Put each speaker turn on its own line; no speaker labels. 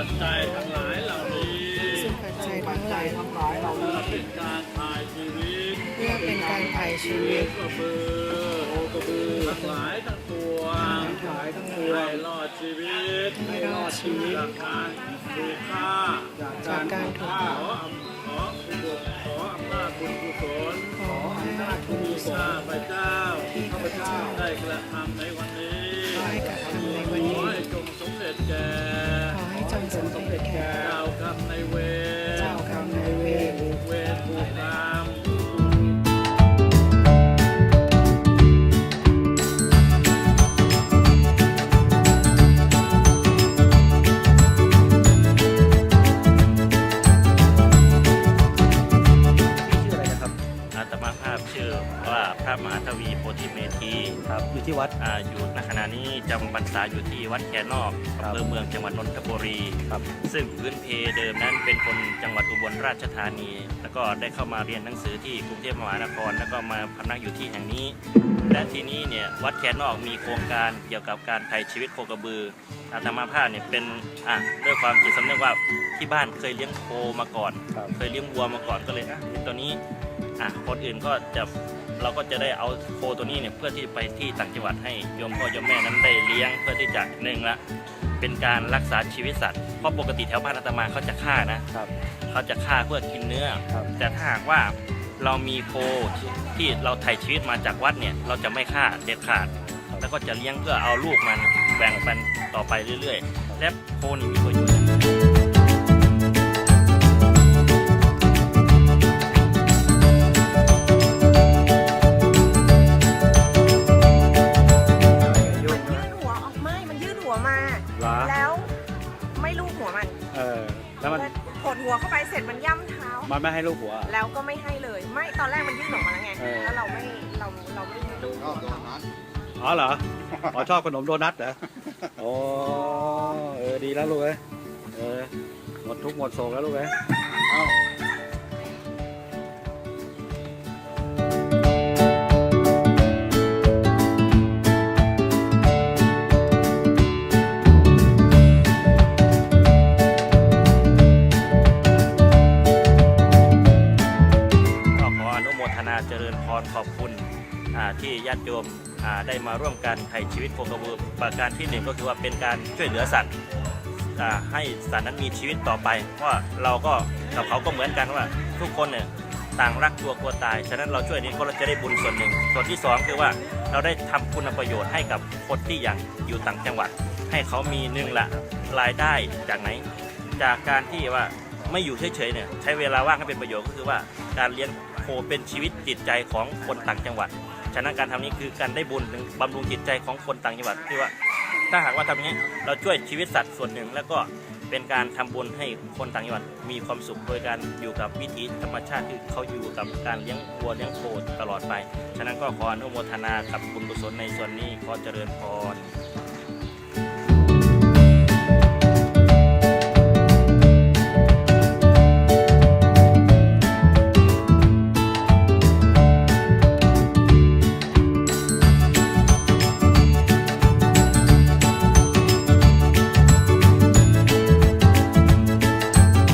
จจัยทั้งหลายเหล่านี้
ซึ่งปัจจัยทั้งหลาย
เพื่อเป็นการถ่ายชีวิต
เพื่อเป็นการถ่ายชีวิต
กระบือทั้งหลายทั้งปวงให้รอดชีวิตจากการถูกฆ่า
จากการถูกฆ่า
ขออำนาจบุญกุศล
ขอให้บุญกุศล
ข้าพเจ้า
ที่ข้าพเจ้า
ได้กระทำในวันนี้
ได้กระทำในวันนี้
ขอให้จงสำเร็จแก่
ขอให้จงสำเร็จแก่
เจ้ากรรมนายเวรผูกเวรผูกกรรม
อาตมาภาพชื่อว่าพระมหาทวีโพธิเมธี
ครับอยู่ที่วัด
อยู่ณขณะนี้จำพรรษาอยู่ที่วัดแคนอกอำเภอเมืองจังหวัดนนทบุรี
ครับ
ซึ่งพื้นเพเดิมนั้นเป็นคนจังหวัดอุบลราชธานีแล้วก็ได้เข้ามาเรียนหนังสือที่กรุงเทพมหานครแล้วก็มาพำนักอยู่ที่แห่งนี้และที่นี้เนี่ยวัดแคนอกมีโครงการเกี่ยวกับการไถ่ชีวิตโคกระบืออาตมาภาพเนี่ยเป็นด้วยความจิตสำนึกว่าที่บ้านเคยเลี้ยงโคมาก่อนเคยเลี้ยงวัวมาก่อนก็เลยตัวนี้คนอื่นก็จะเราก็จะได้เอาโคตัวนี้เนี่ยเพื่อที่ไปที่ต่างจังหวัดให้โยมพ่อโยมแม่นั้นได้เลี้ยงเพื่อที่จะหนึ่งละเป็นการรักษาชีวิตสัตว์เพราะปกติแถวบ้านอาตมาเขาจะฆ่านะเขาจะฆ่าเพื่อกินเนื้อแต่ถ้าหากว่าเรามีโคที่เราไถ่ชีวิตมาจากวัดเนี่ยเราจะไม่ฆ่าเด็ดขาดแล้วก็จะเลี้ยงเพื่อเอาลูกมันแบ่งปันต่อไปเรื่อยๆและโคนี่มีประโยชน์
แล้วไม่ลูบหัวมัน
แล้วมัน
กดหัวเข้าไปเสร็จมันย่ำเท้า
มันไม่ให้ลูบหัว
แล้วก็ไม่ให้เลยไม่ตอนแรกมันยื่นออกมาแล้วไงแล้วเราไม่ลูบ
อ๋อเหรออ๋อชอบขนมโดนัทเหรอโอ้ดีแล้วลูกหมดทุกหมดโศกแล้วลูก
เจริญพรขอบคุณที่ญาติโยมได้มาร่วมกันไถ่ชีวิตโคกระบือประการที่หนึ่งก็คือว่าเป็นการช่วยเหลือสัตว์ให้สัตว์นั้นมีชีวิตต่อไปเพราะเราก็กับเขาก็เหมือนกันว่าทุกคนเนี่ยต่างรักตัวกลัวตายฉะนั้นเราช่วยนี้ก็เราจะได้บุญส่วนหนึ่งส่วนที่สองคือว่าเราได้ทำคุณประโยชน์ให้กับคนที่อย่างอยู่ต่างจังหวัดให้เขามีหนึ่งละรายได้จากไหนจากการที่ว่าไม่อยู่เฉยๆเนี่ยใช้เวลาว่างให้เป็นประโยชน์ก็คือว่าการเลี้ยงโคเป็นชีวิตจิตใจของคนต่างจังหวัดฉะนั้นการทำนี้คือการได้บุญบำรุงจิตใจของคนต่างจังหวัดที่ว่าถ้าหากว่าทำอย่างนี้เราช่วยชีวิตสัตว์ส่วนหนึ่งแล้วก็เป็นการทำบุญให้คนต่างจังหวัดมีความสุขโดยการอยู่กับวิถีธรรมชาติที่เขาอยู่กับการเลี้ยงวัวเลี้ยงโคตลอดไปฉะนั้นก็ขออนุโมทนากับบุญกุศลในส่วนนี้ขอเจริญพร